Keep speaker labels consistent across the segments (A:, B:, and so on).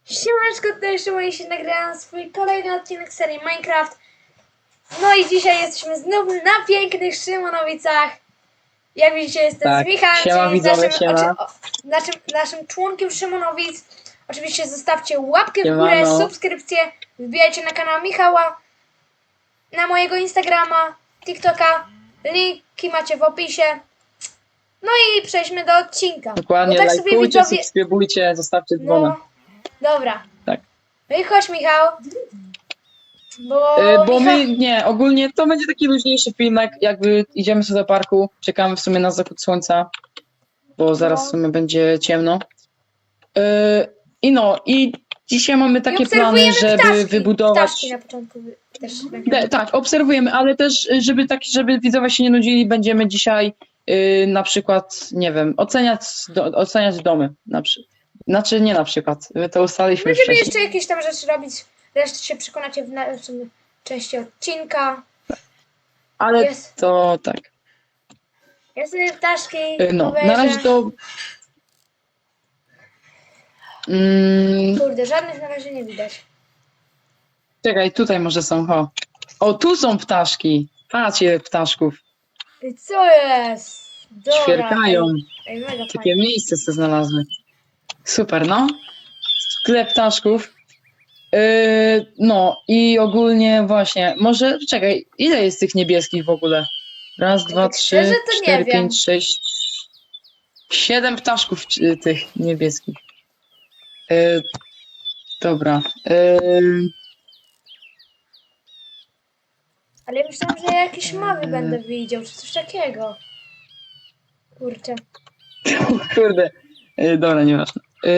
A: Siemaneczko, tutaj Szymon i się nagrałam swój kolejny odcinek serii Minecraft. No i dzisiaj jesteśmy znów na pięknych Szymonowicach. Jak widzicie, jestem
B: Tak,
A: z Michałem,
B: siema
A: czyli
B: widzowie, siema.
A: naszym członkiem Szymonowic. Oczywiście zostawcie łapkę w
B: Siemano.
A: górę, subskrypcję, wbijajcie na kanał Michała, na mojego Instagrama, TikToka. Linki macie w opisie. No i przejdźmy do odcinka.
B: Dokładnie,
A: Bo tak sobie
B: lajkujcie,
A: widzowie...
B: subskrybujcie, zostawcie dzwona.
A: No, dobra.
B: Tak.
A: No i chodź, Michał.
B: Bo my, nie, ogólnie to będzie taki luźniejszy filmek, jakby idziemy sobie do parku, czekamy w sumie na zachód słońca, bo zaraz w sumie będzie ciemno. I dzisiaj mamy takie plany, żeby
A: ptaszki.
B: wybudować...
A: Ptaszki na początku też
B: Tak, obserwujemy, ale też, żeby widzowie się nie nudzili, będziemy dzisiaj na przykład, nie wiem, oceniać domy. Znaczy nie na przykład, my to ustaliliśmy
A: Będziemy
B: wcześniej.
A: jeszcze jakieś tam rzeczy robić. Resztę się przekonacie w następnej części odcinka.
B: Ale
A: Jest.
B: to tak.
A: Ja sobie ptaszki
B: No,
A: obejrzę.
B: na razie to...
A: Kurde, żadnych na razie nie widać.
B: Czekaj, tutaj może są, O, tu są ptaszki. Patrzcie, ptaszków.
A: I co jest? Dobra.
B: Ćwierkają.
A: Ej, mega
B: Takie
A: fajnie.
B: miejsce sobie znalazły. Super, no. Sklep ptaszków. No i ogólnie właśnie, może, czekaj, ile jest tych niebieskich w ogóle? Raz, dwa,
A: tak szczerze
B: trzy,
A: to nie
B: cztery,
A: wiem.
B: 5, 6, 7 ptaszków tych niebieskich. Dobra.
A: Ale ja myślałam, że ja jakieś mowy będę widział, czy coś takiego. Kurczę.
B: Kurde. Dobra, nieważne.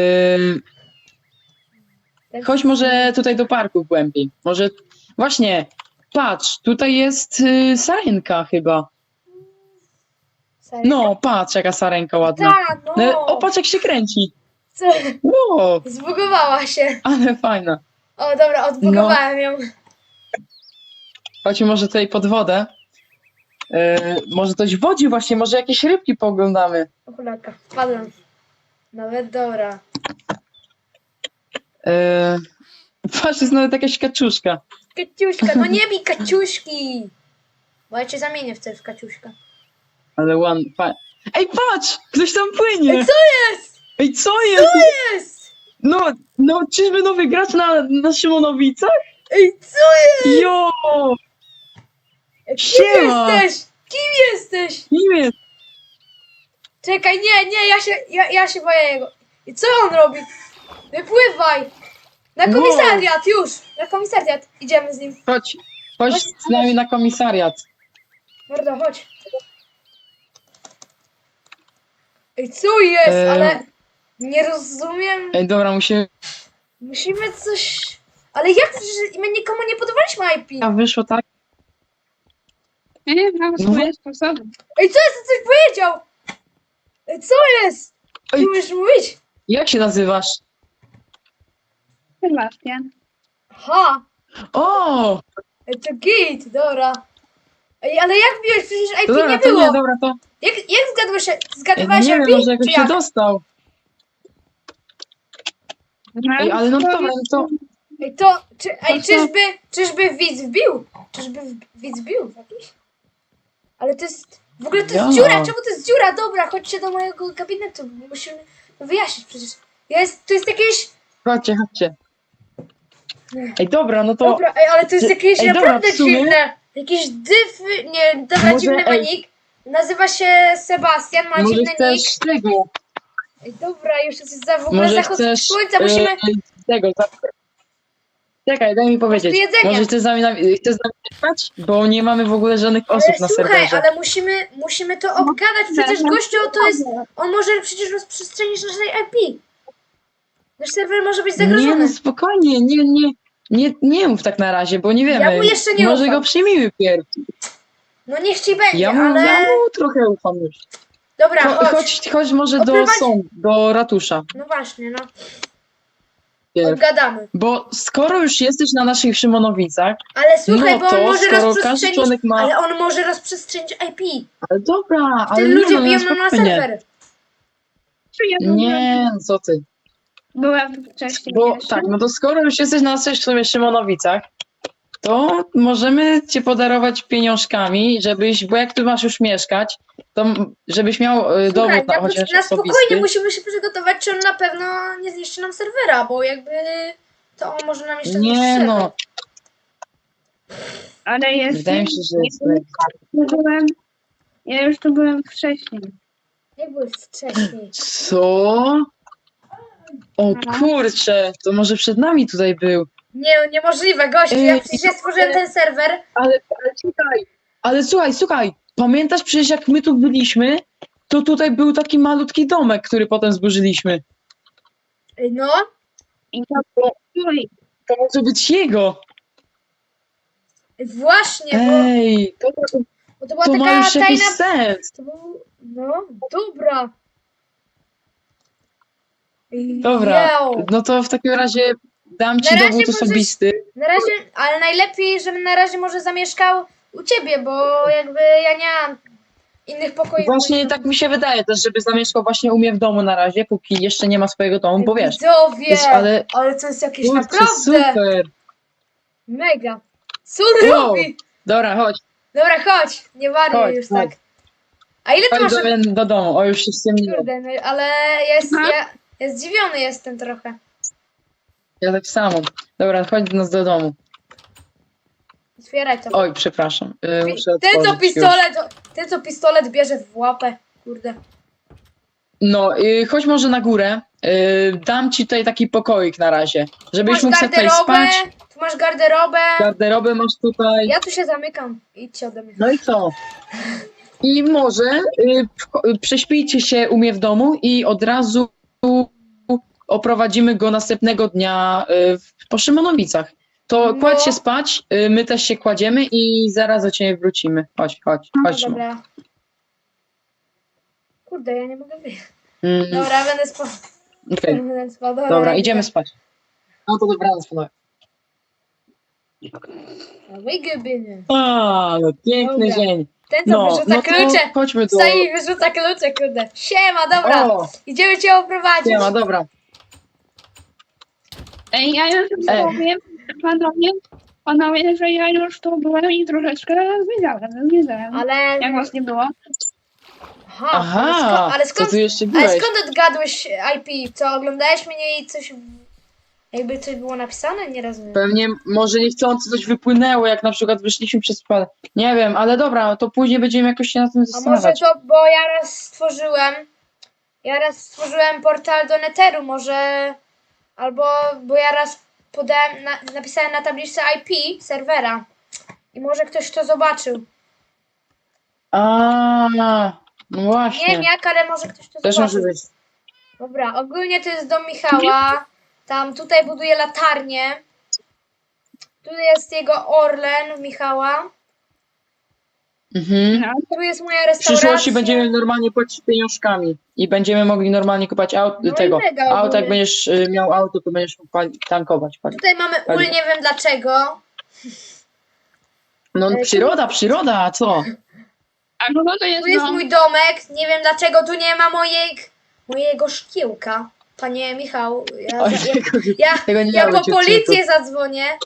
B: Chodź może tutaj do parku głębiej. Może właśnie, patrz, tutaj jest sarenka chyba.
A: Serio?
B: No, patrz jaka sarenka ładna.
A: Tak, no.
B: O, patrz jak się kręci.
A: Co?
B: Wow,
A: Zbugowała się.
B: ale fajna.
A: O, dobra, odbugowałem ją.
B: Chodźmy może tutaj pod wodę. Może coś w wodzie właśnie, może jakieś rybki pooglądamy.
A: O cholaka, wpadłem. Nawet dobra.
B: Patrz, jest nawet jakaś kaczuszka.
A: Kaciuśka, no nie bij Kaciuśki! Bo ja cię zamienię w Kaciuśka.
B: Ale Ej, patrz! Ktoś tam płynie!
A: Ej, co jest?
B: Ej, co jest?
A: Co jest?
B: No, czyżby nowy gracz na Szymonowicach?
A: Ej, co jest?
B: Jo!
A: Kim
B: Siema!
A: jesteś? Kim jesteś?
B: Kim jest?
A: Czekaj, nie, ja się boję jego. I co on robi? Wypływaj! Na komisariat, już! Na komisariat. Idziemy z nim.
B: Chodź z nami na komisariat.
A: Mordo, chodź. Ej, co jest? Ale nie rozumiem.
B: Ej, dobra,
A: Musimy coś... Ale jak? Przecież my nikomu nie podawaliśmy IP.
B: A wyszło tak?
C: Nie, mam
B: No
C: swoje sposoby.
A: Ej, co jest? Coś powiedział! Ej, co jest?
B: Ej.
A: Nie umiesz mówić?
B: Jak się nazywasz?
C: Sebastian.
A: Aha!
B: O!
A: Ej, to git, dobra. Ej, ale jak biłeś? Przecież IP
B: To dobra,
A: nie
B: to
A: było.
B: nie, dobra, to...
A: Jak zgadłeś się?
B: Ej,
A: Zgadywałeś
B: nie
A: IP?
B: wiem, może jakoś
A: Czy
B: się
A: jak?
B: dostał. Ej, ale no dobra, no to...
A: Ej, to... Czyżby widz wbił? Czyżby widz wbił jakiś? Ale to jest... W ogóle to jest
B: Ja.
A: dziura! Czemu to jest dziura? Dobra, chodźcie do mojego gabinetu. Musimy wyjaśnić przecież. To jest jakieś...
B: Chodźcie. Ej, dobra, no to...
A: Dobra, ej, ale to jest jakieś
B: Ej, dobra,
A: naprawdę
B: w sumie-
A: dziwne. Jakiś nie, dobra,
B: Może,
A: dziwny ma
B: ej.
A: nick. Nazywa się Sebastian, ma
B: Może
A: dziwny nick.
B: chcesz tego...
A: Ej, dobra, już jest w ogóle
B: Może
A: zachód
B: chcesz...
A: słońca, musimy...
B: Tego, Czekaj, daj mi powiedzieć.
A: tu jedzenia.
B: Może chcesz z nami jechać? Bo nie mamy w ogóle żadnych osób
A: Ale
B: na
A: słuchaj,
B: serwerze.
A: ale musimy to obgadać, przecież gościu to jest... On może przecież rozprzestrzenić nasze IP. Nasz serwer może być
B: Nie,
A: zagrożony.
B: no spokojnie, nie mów tak na razie, bo nie wiemy.
A: Ja mu jeszcze nie
B: Może
A: ufam.
B: go przyjmijmy pierw.
A: No niech ci będzie,
B: Ja
A: ale...
B: mu trochę ufam już.
A: Dobra, chodź.
B: Chodź może do ratusza.
A: No właśnie, no.
B: Pierw.
A: Odgadamy.
B: Bo skoro już jesteś na naszych Szymonowicach,
A: Ale słuchaj,
B: no
A: bo on
B: to
A: może
B: skoro każdy
A: rozprzestrzenić...
B: członek ma...
A: Ale on może rozprzestrzenić IP.
B: Ale dobra, ale
A: Wtedy
B: nie,
A: ludzie
B: no,
A: biją nam na
B: spokojnie.
A: serwer.
B: Nie, no co ty.
C: Byłem wcześniej
B: Bo
C: jeszcze.
B: tak, no to skoro już jesteś na w sumie Szymonowicach, to możemy cię podarować pieniążkami, żebyś, bo jak tu masz już mieszkać, to żebyś miał
A: Słuchaj,
B: dowód
A: na,
B: chociaż
A: na spokojnie
B: osobisty.
A: musimy się przygotować, czy on na pewno nie zniszczy nam serwera, bo jakby to on może nam jeszcze zniszczyć
B: Nie
A: serwer.
B: no,
C: Ale jest.
B: wydaje mi się, że jest
C: Ja już tu byłem wcześniej.
A: Jak byłeś wcześniej?
B: Co? O kurczę, to może przed nami tutaj był.
A: Niemożliwe, gościu, ja przecież ja stworzyłem ten serwer.
B: Ale słuchaj, słuchaj, pamiętasz przecież jak my tu byliśmy, to tutaj był taki malutki domek, który potem zburzyliśmy.
A: No,
C: I to Oj,
B: To może być jego.
A: właśnie,
B: Ej,
A: bo to była
B: to ma
A: taka
B: już jakiś
A: tajna...
B: sens.
A: To był... No, dobra.
B: Dobra,
A: Jeo.
B: no to w takim razie dam ci
A: Na razie
B: dowód
A: możesz-
B: osobisty.
A: Na razie, ale najlepiej, żebym na razie może zamieszkał u ciebie, bo jakby ja nie mam innych pokoi.
B: Właśnie tak mi się wydaje też, żeby zamieszkał właśnie u mnie w domu na razie, póki jeszcze nie ma swojego domu, bo wiesz.
A: Widzowie,
B: ale
A: ale to jest jakieś
B: kurczę,
A: naprawdę
B: super.
A: mega. Co on
B: Wow.
A: robi?
B: Dobra, chodź,
A: Dobra, chodź, nie waruj
B: Chodź,
A: już
B: chodź.
A: tak. A ile ty
B: chodź
A: masz...
B: do domu, o już się ściemniło.
A: Kurde, no, ale ja zdziwiony jestem trochę.
B: Ja tak samo. Dobra, chodź do nas do domu.
A: Otwieraj to.
B: Oj, przepraszam. Muszę
A: Ten co pistolet bierze w łapę. Kurde.
B: No, chodź może na górę. Dam ci tutaj taki pokoik na razie, żebyś
A: Masz
B: mógł sobie tutaj
A: garderobę,
B: spać.
A: tu masz garderobę.
B: Garderobę masz tutaj.
A: Ja tu się zamykam. Idźcie ode mnie.
B: No i co? I może prześpijcie się u mnie w domu i od razu oprowadzimy go następnego dnia po Szymonowicach. To
A: No.
B: kładź się spać, my też się kładziemy i zaraz do ciebie wrócimy. Chodź,
A: No
B: Szymon.
A: dobra. Kurde, ja nie mogę wyjść.
B: Mm,
A: Dobra, będę spał.
B: okej.
A: Będę spał.
B: Dobra, idziemy spać. No to dobranoc, panowie.
A: Wygybyny.
B: Ale piękny
A: Dobra.
B: dzień.
A: Ten co
B: No,
A: wyrzuca
B: no to
A: klucze.
B: chodźmy do...
A: Wstaje i wyrzuca klucze, kurde. Siema, dobra.
B: O,
A: Idziemy cię oprowadzić.
B: nie ma, dobra.
C: Ej, ja już powiem, panowie, że ja już tu byłem i troszeczkę zwiedzałem.
A: Ale...
C: Jak was nie było?
B: Aha,
A: ale
B: to
A: skąd,
B: tu jeszcze
A: ale
B: byłeś.
A: skąd odgadłeś IP? Co, oglądałeś mnie i coś... Jakby coś było napisane? Nie rozumiem.
B: Pewnie może niechcący coś wypłynęło, jak na przykład wyszliśmy przez przypadek. Nie wiem, ale dobra, to później będziemy jakoś się na tym
A: A może
B: zastanawiać.
A: to, bo ja raz stworzyłem portal do Netheru, może, albo, bo ja raz napisałem na tabliczce IP serwera i może ktoś to zobaczył.
B: A, no
A: Nie
B: właśnie.
A: wiem jak, ale może ktoś to
B: Też może
A: zobaczył.
B: być.
A: Dobra, ogólnie to jest dom Michała, tam tutaj buduje latarnię, tu jest jego Orlen Michała,
B: Mhm.
C: No,
A: tu jest moja
B: W
A: restauracja.
B: przyszłości będziemy normalnie płacić pieniążkami i będziemy mogli normalnie kupować
A: No i
B: tego.
A: mega
B: Auto, jak
A: ogólnie.
B: będziesz miał auto, to będziesz mógł tankować.
A: Tutaj mamy ul, nie wiem dlaczego.
B: No przyroda, a co?
C: a kogo to jest
A: Tu jest
C: dom?
A: mój domek, nie wiem dlaczego tu nie ma mojego szkiełka. Panie Michał,
B: Oj, tego nie
A: ja
B: miało
A: po
B: być
A: policję zadzwonię.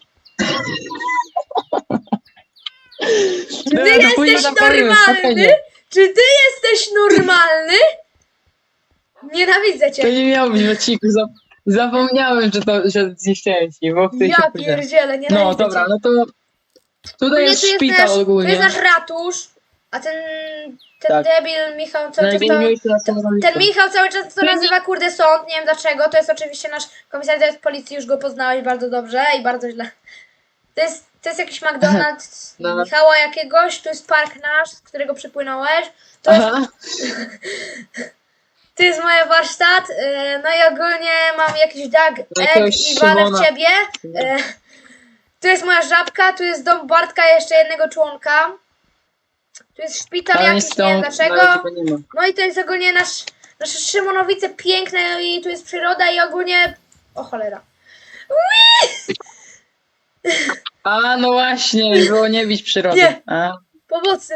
A: Czy ty
B: Dobra, to później
A: jesteś
B: zapalimy,
A: normalny?
B: spokojnie.
A: Czy ty jesteś normalny? Nienawidzę
B: To
A: cię.
B: nie miało być w odcinku. Zapomniałem, że zniszczyłem ci, bo wtedy się
A: Ja
B: później.
A: pierdzielę, nienawidzę
B: No dobra,
A: cię.
B: no to tutaj jest szpital
A: to
B: ogólnie.
A: jest nasz ratusz, a ten
B: Tak.
A: debil Michał cały czas to...
B: Najgłówniejszy na stanowisku.
A: Ten Michał cały czas to nazywa kurde sąd, nie wiem dlaczego, to jest oczywiście nasz komisariat policji, już go poznałeś bardzo dobrze i bardzo źle. To jest jakiś McDonald's
B: No.
A: Michała jakiegoś, tu jest park nasz, z którego przypłynąłeś, to jest,
B: Aha,
A: tu jest moje warsztat, no i ogólnie mam jakiś dag,
B: Jakiegoś
A: egg i walę w
B: Szymona.
A: ciebie. Tu jest moja żabka, tu jest dom Bartka, jeszcze jednego członka. Tu jest szpital
B: ale nie
A: jakiś, nie wiem
B: stąd,
A: dlaczego.
B: na razie go nie ma.
A: No i to jest ogólnie nasze Szymonowice piękne no i tu jest przyroda i ogólnie... O cholera.
B: A, no właśnie, było nie bić przyrody.
A: Nie.
B: A,
A: Pomocy.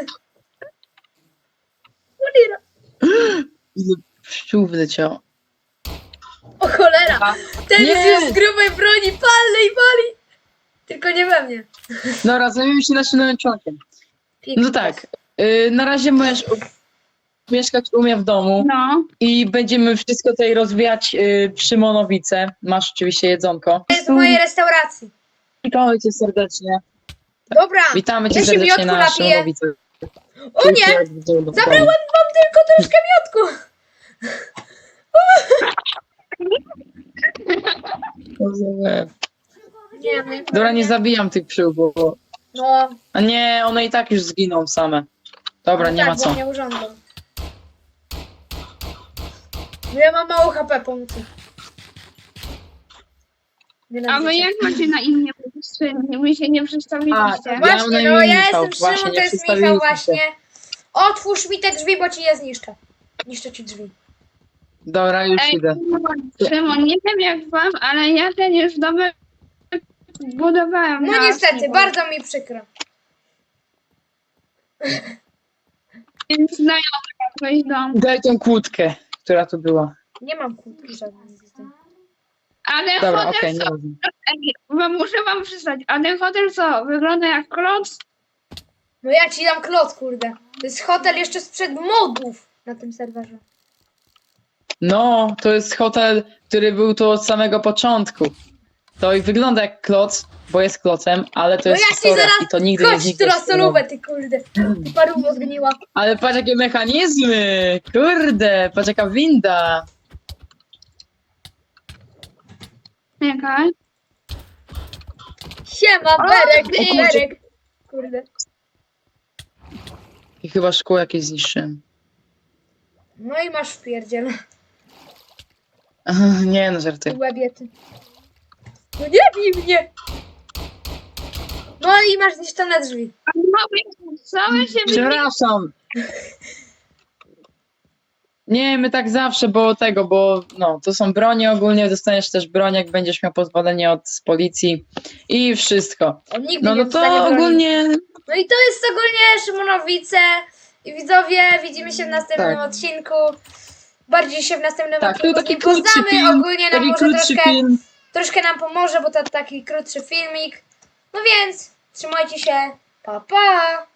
A: Cholera.
B: ile pszczół wleciało.
A: O cholera! Ten
B: Nie!
A: jest z grubej broni, palny i pali! Tylko nie we mnie.
B: Dobra, zajmiemy się naszym nowym członkiem. No tak, na razie możesz mieszkać u mnie w domu
C: No.
B: i będziemy wszystko tutaj rozwijać przy Monowice. Masz oczywiście jedzonko.
A: To jest z mojej restauracji.
B: Witamy cię serdecznie.
A: Dobra,
B: Witamy cię
A: ja się
B: serdecznie
A: miodku
B: na naszej
A: napiję.
B: Monowicy.
A: O nie! Zabrałem wam tylko troszkę miodku. Nie, no i
B: Dobra, nie zabijam tych pszczół, bo...
A: No,
B: A nie, one i tak już zginą same. Dobra,
A: no
B: nie
A: tak,
B: ma
A: bo
B: co.
A: mnie urządzą. No ja mam mało HP pomocy.
C: A wy jak macie na imię? Wy się nie przedstawiliście.
B: Ja mam
A: Właśnie,
B: na
A: no
B: imię
A: ja
B: Michał,
A: jestem
B: właśnie,
A: Szymon,
B: nie
A: to jest Michał
B: przedstawiliśmy
A: właśnie.
B: się.
A: Otwórz mi te drzwi, bo ci je zniszczę. Niszczę ci drzwi.
B: Dobra, już
C: Ej,
B: idę.
C: Szymon, nie wiem jak wam, ale ja ten już domek budowałem.
A: No
C: na
A: niestety,
C: Steamie.
A: bardzo mi przykro.
C: Więc znajomy jakoś dom.
B: Daj tą kłódkę, która tu była.
A: Nie mam kłódki żadnej z tym.
C: Ale
B: Dobra,
C: hotel
B: okej,
C: co?
B: nie
C: Ej, muszę wam przyznać, a ten hotel co? Wygląda jak kloc?
A: No ja ci dam klot, kurde. To jest hotel jeszcze sprzed modów na tym serwerze.
B: No, to jest hotel, który był tu od samego początku. To i wygląda jak kloc, bo jest klocem, ale to
A: No
B: jest
A: ja ci
B: historia
A: zaraz...
B: i to nigdy nie
A: Chodź
B: zniknie.
A: tu na
B: z tego.
A: solówę, ty kurde. Ty paruwo zgniła.
B: Ale patrz jakie mechanizmy! Kurde, patrz jaka winda!
C: Czekaj.
A: Siema, Berek,
B: o kurczę.
A: Berek. Kurde.
B: I chyba szkło jakieś zniszczyłem.
A: No i masz wpierdziel.
B: Nie no, żarty.
A: Łebie ty. No nie bij mnie! No i masz zniszczone drzwi.
C: A no, całe się
B: Przepraszam! Nie, my tak zawsze, bo no, to są bronie ogólnie, dostaniesz też broń, jak będziesz miał pozwolenie od policji i wszystko.
A: On nigdy
B: No,
A: nie
B: no
A: dostanie
B: to
A: broni.
B: ogólnie,
A: No i to jest ogólnie Szymonowice. I widzowie, widzimy się w następnym
B: Tak.
A: odcinku. Bardziej się w następnym
B: tak, to
A: odcinku
B: taki
A: z nim
B: krótszy
A: poznamy.
B: film,
A: Ogólnie nam
B: taki
A: może
B: krótszy film.
A: troszkę nam pomoże, bo to taki krótszy filmik. No więc, trzymajcie się. Pa, pa!